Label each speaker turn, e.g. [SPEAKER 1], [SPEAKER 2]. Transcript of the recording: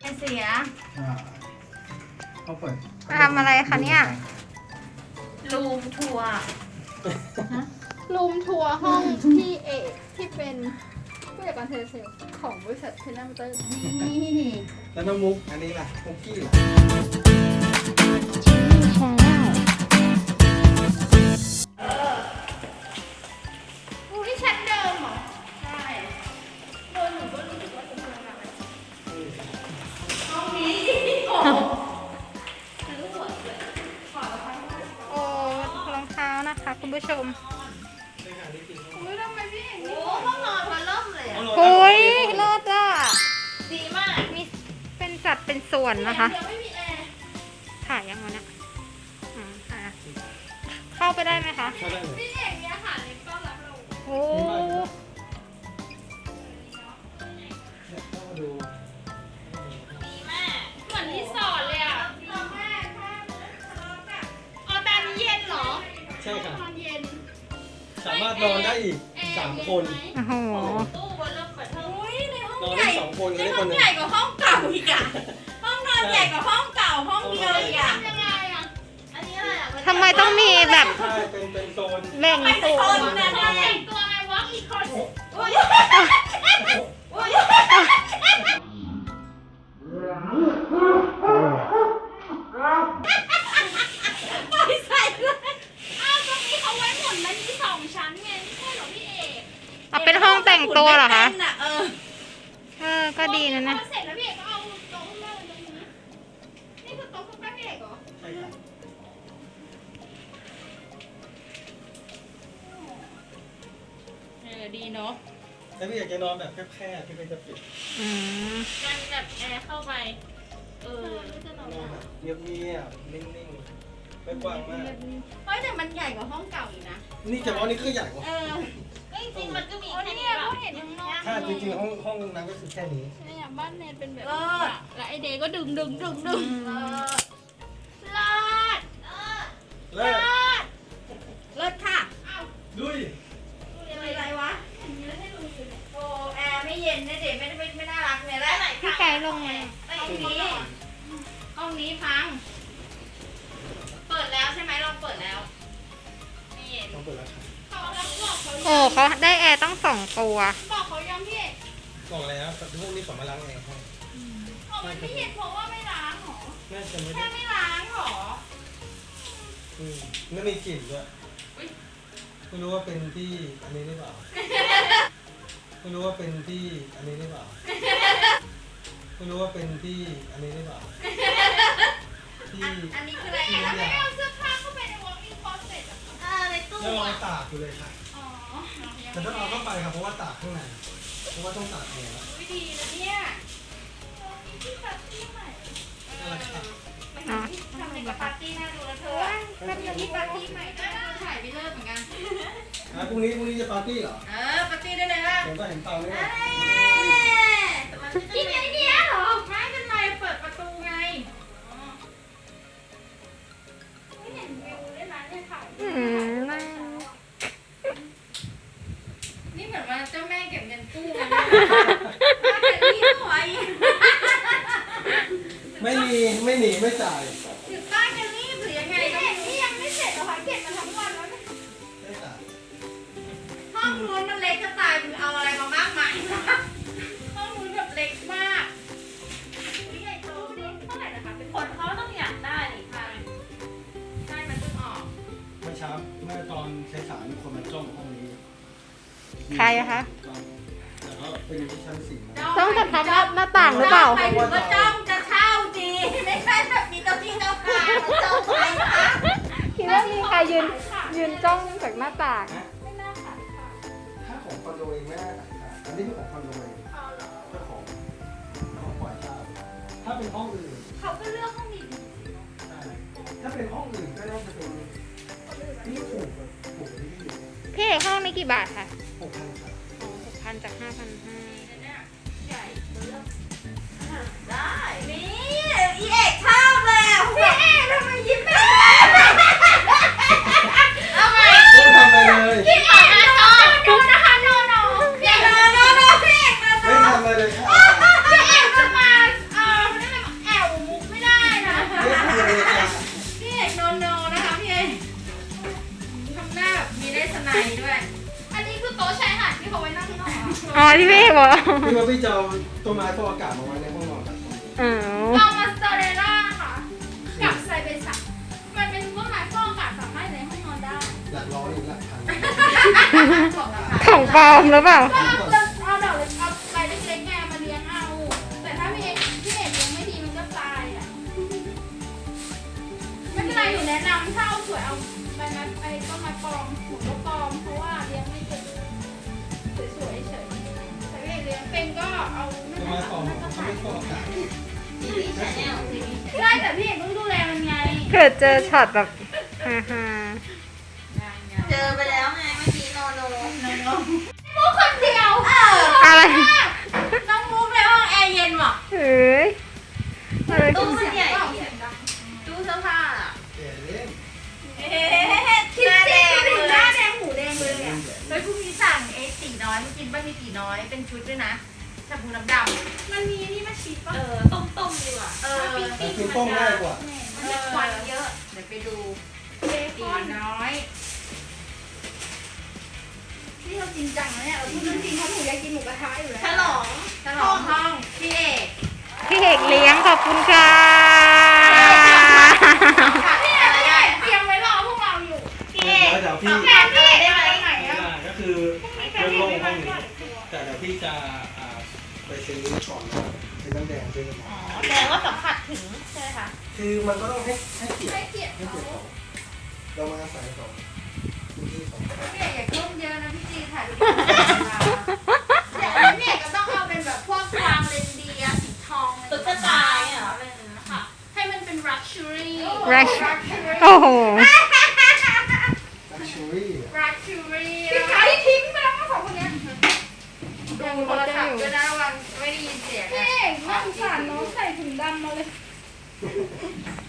[SPEAKER 1] เสีย
[SPEAKER 2] เขาเปิด
[SPEAKER 3] ทำอะไรคะเนี่ย
[SPEAKER 1] รูมทัวร์
[SPEAKER 4] รูมทัวร์ห้องพี่เอกที่เป็นผู้จัดการเทเลเซลของบริษัทเทเลมเตอร์นี่
[SPEAKER 2] แล้วน้องมุกอันนี้ล่ะมุกกี้ล่ะ
[SPEAKER 4] นี่ชั้นเดิมเหรอ
[SPEAKER 1] ใช่
[SPEAKER 4] โดนหนูก็รู้สึกว่าจะทำอะไร
[SPEAKER 1] ห้องนี้โอ้
[SPEAKER 3] โอ้รองเท้านะคะคุณผู้ชม
[SPEAKER 4] อุ้ยทำไมพี่เอก
[SPEAKER 1] โห
[SPEAKER 4] นี่
[SPEAKER 1] ห้องนอนมันเริ่มเลยอ่ะ
[SPEAKER 3] โอ้ยเลิศอ่ะ
[SPEAKER 1] ดีมาก
[SPEAKER 3] มีเป็นสัดเป็นส่วนนะคะ
[SPEAKER 4] เดี๋ยวไม่มีแอร์
[SPEAKER 3] ถ่ายยังวะเนี่ยเข้าไปได้ไหมคะ
[SPEAKER 2] เข้าได้เลย
[SPEAKER 4] พี่เอกมีอาหารเล็กต้อนรับเรา
[SPEAKER 3] โอ้
[SPEAKER 2] เข้ามาดู
[SPEAKER 1] ดีมาก
[SPEAKER 4] เหมือนรีสอร์ทเลยอ่ะเราแม่อ๋อแต่อันนี้เย็นเหรอ
[SPEAKER 2] ใช่ค่ะ
[SPEAKER 4] นอนเย็น
[SPEAKER 2] สามารถนอนได้อีก3 คน
[SPEAKER 3] โอ้โห
[SPEAKER 1] ตู้บนเริ่มเปิดเทอม
[SPEAKER 4] อุ้ยในห้อง
[SPEAKER 2] นอน
[SPEAKER 4] ให
[SPEAKER 2] ได้
[SPEAKER 4] ญ่
[SPEAKER 2] 2 คนก็
[SPEAKER 1] ใน
[SPEAKER 2] ได้
[SPEAKER 1] ห้
[SPEAKER 2] ค
[SPEAKER 1] อน ง
[SPEAKER 2] หนึ่ง
[SPEAKER 1] ใหญ่กว่าห้องเก่าอีกอ่ะห้องนอนใหญ่กว่าห้องเก่าห้องเดียวอีกอ่ะ
[SPEAKER 4] ทำยังไงอ่ะ
[SPEAKER 1] อันนี้อะไรอ่ะ
[SPEAKER 3] ทำไมต้องมีแบบ
[SPEAKER 2] ใช่เป็นโซน
[SPEAKER 3] แบ่ง
[SPEAKER 1] ไม่
[SPEAKER 3] ส่
[SPEAKER 1] ค
[SPEAKER 3] วน น
[SPEAKER 1] นะ
[SPEAKER 4] เราแต่งตัวไงวะอีกคน
[SPEAKER 1] อุ้ยอุ้ยไม่ใส่เลย
[SPEAKER 4] อ้าวตรงนี้เขาไว้หมุนมันมี2 ชั้นไงไม่ใช่เหรอพี่เอก
[SPEAKER 3] เอาเป็นห้องแต่งตัวเหรอคะ
[SPEAKER 1] เออ
[SPEAKER 3] ก็ดีนะนะ
[SPEAKER 4] พอเสร็จแล้วพี่เอกก็เอาโต๊ะข้างล่างตรงนี้นี่คือโต๊ะคุณป้าพี่เอกเหรอ
[SPEAKER 2] ใช่ค่ะ
[SPEAKER 1] ดีเนาะ
[SPEAKER 2] แล้วพี่อยากจะนอนแบบแคบๆที่เป็นจะปิด
[SPEAKER 3] อืม
[SPEAKER 1] การแบบแอร์เข้าไป
[SPEAKER 2] นอนแบบเงียบๆนิ่งๆไม่กว้างมาก
[SPEAKER 1] เฮ้ยแต่มันใหญ่กว่าห้องเก่าอีกนะ
[SPEAKER 2] นี่เฉพาะนี่คือใหญ่กว่า
[SPEAKER 1] จริงๆมันก็มี
[SPEAKER 4] โอ้
[SPEAKER 1] แค่
[SPEAKER 4] นี่
[SPEAKER 1] นี้
[SPEAKER 4] ไง
[SPEAKER 1] แบ
[SPEAKER 4] เขา
[SPEAKER 1] บ
[SPEAKER 4] เห็นข้างนอก
[SPEAKER 2] ถ้าจริงๆห้องนั้นก็คือแค่นี้
[SPEAKER 4] เนี่ยบ้านเนนเป็นแบบ
[SPEAKER 1] เลิศ
[SPEAKER 4] แล้วไอเดย์ก็ดึงเลิศ
[SPEAKER 2] เลิศ
[SPEAKER 1] เลิศค่ะ
[SPEAKER 2] ดุย
[SPEAKER 1] อะไรวะโอ้แอร์ไม่เย็นนะเด็กไม่น่ารักเนี่ยแล้วไหน
[SPEAKER 3] พี่ไก่ลงมา
[SPEAKER 1] ห้องนี้พัง เปิดแล้วใช่ไหมลองเปิดแล้วนี่
[SPEAKER 2] ต้องเปิดแล้วค่ะ
[SPEAKER 4] เขาแล้วบอกเขา
[SPEAKER 3] โอ้เขาได้แอร์ต้อง2 ตัว
[SPEAKER 4] บอกเขายังพี่เอก
[SPEAKER 2] บอกแล้วแต่พวกนี้ขอมาล้างแอร์ให้
[SPEAKER 4] บอกมันไม่เห็นเพราะว่าไม่ล้างหรอ
[SPEAKER 2] น่าจะไม่
[SPEAKER 1] แค่
[SPEAKER 2] ได้
[SPEAKER 1] ไม่ล้างหรอ
[SPEAKER 2] ไม่มีกลิ่นด้วยไม่รู้ว่าเป็นที่อันนี้หรือเปล่าไม่รู้ว่าเป็นที่อันนี้หรือเปล่าไม่รู้ว่าเป็นที่อันนี้หรือเปล่าที่
[SPEAKER 1] อันนี้คืออะไร
[SPEAKER 2] ที่
[SPEAKER 1] อ่ะ
[SPEAKER 2] ทุกอย่าง
[SPEAKER 4] เอาเสื้อผ้าเข้าไปในวอล์กอินคลอสเซ็ตอ่ะ
[SPEAKER 1] ในตู้
[SPEAKER 2] แล้วเรา
[SPEAKER 1] อ่ะ
[SPEAKER 2] ตากอยู่เลยค่ะ
[SPEAKER 4] อ๋อ
[SPEAKER 2] แต่ต้องเอาเข้าไปครับเพราะว่าตากข้างในเพราะว่าต้องตากแอร์แล้ว
[SPEAKER 1] ไม่ดีนะเนี่ย
[SPEAKER 4] ที่ปาร์ตี้ใหม่
[SPEAKER 2] นั่นแหละค่ะ
[SPEAKER 3] อ๋อ
[SPEAKER 1] ทำในปาร์ตี้น่าดูแล้วเธอทำอย่างนี้ปาร์ตี้ใหม่ก็ถ่ายไปเลิกเหมือนกัน
[SPEAKER 2] พรุ่งนี้จะปาร์ตี้เหรอ
[SPEAKER 1] ปาร์ตี้ได้เลยว่า
[SPEAKER 2] ผมก็เห็นเตาเนี่ย
[SPEAKER 1] กินไอเดียเหรอไม่เป็นไรเปิดประตูไง
[SPEAKER 4] ไม่เห็นวิวเลยนะเนี่ยถ่าย
[SPEAKER 3] อืมน่า
[SPEAKER 1] นี่เหมือนว่าเจ้าแม่เก็บเงินกู้เลยแต่นี่สวย
[SPEAKER 2] ไม่หนีไม่จ่าย
[SPEAKER 1] หรือป้าจะรีบหรือยังไง
[SPEAKER 4] พี่
[SPEAKER 1] ก็
[SPEAKER 4] เอ
[SPEAKER 1] ไม่
[SPEAKER 4] ก
[SPEAKER 1] รู้
[SPEAKER 4] นี่ยังไม่เสร็จเหรอคะเก็บมาทั้งวันแล้วเนี่ย
[SPEAKER 2] ไม่จ่าย
[SPEAKER 1] ห้องนู้นมันเล็กจะตายมึงเอาอะไรมามากมายห้องนู้นแบบเล็กมาก
[SPEAKER 4] พี่ใหญ่โตนี่เท่าไหร่นะคะเป็น
[SPEAKER 1] คนเขาต้องอยากได้หรือใครใช่มันเพิ่งออก
[SPEAKER 2] เมื่อเช้าเมื่อตอนสายๆมีคนมาจ้องห้องนี้
[SPEAKER 3] ใครอะคะ
[SPEAKER 2] แต่ก็เป็นที่ชั้น4นะ
[SPEAKER 3] ต้องจะทำหน้าต่างหรือเปล่า
[SPEAKER 1] ไปถึงก็จ้องจะเช่าดีไม่ใช่แบบมีเจ้าที่เจ้าทางมาจ้องไปนะ
[SPEAKER 3] คิดว่ามีใครยืนจ้องจากหน้าต่าง
[SPEAKER 4] ไม่น่าขายค่ะ
[SPEAKER 2] ถ้าของคอนโดเองไม่น่าขายค่ะอันนี้คือของคอนโดเอง
[SPEAKER 4] เอาเหรอ
[SPEAKER 2] เจ้าของปล่อยเช่าถ้าเป็นห้องอื่น
[SPEAKER 4] เขาก็เลือกห้องดี
[SPEAKER 2] ใช่ถ้าเป็นห้องอื่นก็น่าจะเป็นที่ถูกที่อยู่
[SPEAKER 3] พี่เอกห้องนี้กี่บาทคะ
[SPEAKER 2] 6,000ค่ะ
[SPEAKER 3] 6,000จาก 5,500
[SPEAKER 4] ใหญ่เลือก
[SPEAKER 1] ได้นี่อีเอกชอบเลยอ่ะพี่เอกทำไมยิ้มไม่ได้เอาไง
[SPEAKER 2] ไม่ทำอะไรเลย
[SPEAKER 1] พี่เอกมาชอบดูนะคะโนโนพี่เอกโนพี่เอกมา
[SPEAKER 2] ไม่ทำอะไรเลยค่ะ
[SPEAKER 1] พี่เอกจะมา
[SPEAKER 3] ที่พี่บอก
[SPEAKER 2] พี่ว่าพี่จะเอาต้นไม้ฟอกอากาศมาไว้ในห้องนอนแบบ
[SPEAKER 3] อ๋อ
[SPEAKER 1] เอามาสเตอเรล่าค่ะ กับไซเบสักมันเป็นต้นไม้ฟอกอากาศสามารถในห้องนอนได้
[SPEAKER 2] หลักร้อยหลักพัน
[SPEAKER 1] บอกราคา
[SPEAKER 3] ของปลอมหรือเปล่า
[SPEAKER 1] ก็เอาดอกเล็กเอาใบเล็กๆไงมาเลี้ยงเอา แต่ถ้าพี่เอกเลี้ยงไม่ดีมันก็ตายอ่ะ ไม่เป็นไรหนูแนะนำถ้าเอาสวยเอาใบไม้ไอ้ต้นไม้ปลอมหนูก็ปลอมเพราะว่าเลี้ยงไม่เป็นสวยๆเฉยๆแต่พี่เอกเลี้ยงเป็นก็เอา
[SPEAKER 2] ต้นไม้ฟอกเขาไม่ฟอกอากาศ
[SPEAKER 1] ใช่แต่พี่เอกต้องดูแลมันไง
[SPEAKER 3] เกิดเจอช็อตแบบฮ่า
[SPEAKER 5] เจอไปแล้วไงเมื่อกี้โนโน
[SPEAKER 1] มุกคนเดียว
[SPEAKER 3] ๆอะไร
[SPEAKER 1] น้องมุกในห้องแอร์เย็นว่ะ
[SPEAKER 3] เอ้ยอะไร
[SPEAKER 5] ตู้มันใหญ่
[SPEAKER 1] เปล่า
[SPEAKER 5] อะ
[SPEAKER 1] เสียงดัง
[SPEAKER 5] ตู้เสื้อผ้าอะ
[SPEAKER 2] แก่เล่น
[SPEAKER 1] คิดสิดูดิหน้าแดงหูแดงเลยอ่ะแล้วพรุ่งนี้สั่งตีน้อยมากินบ้างมีตีน้อยเป็นชุดด้วยนะชาบูน้ำดำมันมีนี่มาชีสป่ะ
[SPEAKER 5] ต้มดีกว่า
[SPEAKER 2] แต่คือต้มง่ายกว่า
[SPEAKER 5] มันจะควันเยอะ เดี๋ยวไปดู
[SPEAKER 1] เบคอนน้อยนี่เราจริงจังนะเนี่ยเราพูดเรื่องจริงเพราะหนูอยากกินหมูกระทะอยู่แล้ว
[SPEAKER 5] ฉลอง
[SPEAKER 1] ฉลองห้องพี่เอก
[SPEAKER 3] พี่เอกเลี้ยงขอบคุณค่ะ
[SPEAKER 1] พี่เอกเตรียมไว้รอพวกเราอยู่
[SPEAKER 5] พี่เอก
[SPEAKER 2] เดี๋ยวพี่
[SPEAKER 1] แม่พี่เอกได้ไหนอ่ะ
[SPEAKER 2] ก็คือเรื่องโล่งห้องนี้แต่เดี๋ยวพี่จะไปซื้อก่อนซื้อน้ำแดงซื้อน้ำ
[SPEAKER 5] อ๋อแสดงว่าสัมผัสถึงใช่ไหมคะ
[SPEAKER 2] คือมันก็ต้องให้เกียรติ
[SPEAKER 1] ให้เกียรติ
[SPEAKER 2] ให้เกียรติเขาเรามาอาศัยเขาพื้นที่ของเขา
[SPEAKER 1] พี่เอกอย่าก้มเยอะนะพี่จีถ่ายรูปเดี๋ยวพี่เอกก็ต้องเอาเป็นแบบพวกกวางเรนเดียร์สีทอง
[SPEAKER 5] ตุ๊กตาเนี่ยเหรอ
[SPEAKER 1] ค่ะให้มันเป็น luxury
[SPEAKER 3] Luxury โอ้โห
[SPEAKER 2] ลักชัวรี่
[SPEAKER 1] luxury พี่ขายทิ้งไปแล้วสองคนเนี้ยดูโทรศัพท์ด้วยนะระวังไม่ได้ยินเสียง
[SPEAKER 4] พี่เอกน่าสงสารน้องใส่ถุงดำมาเลย
[SPEAKER 1] พ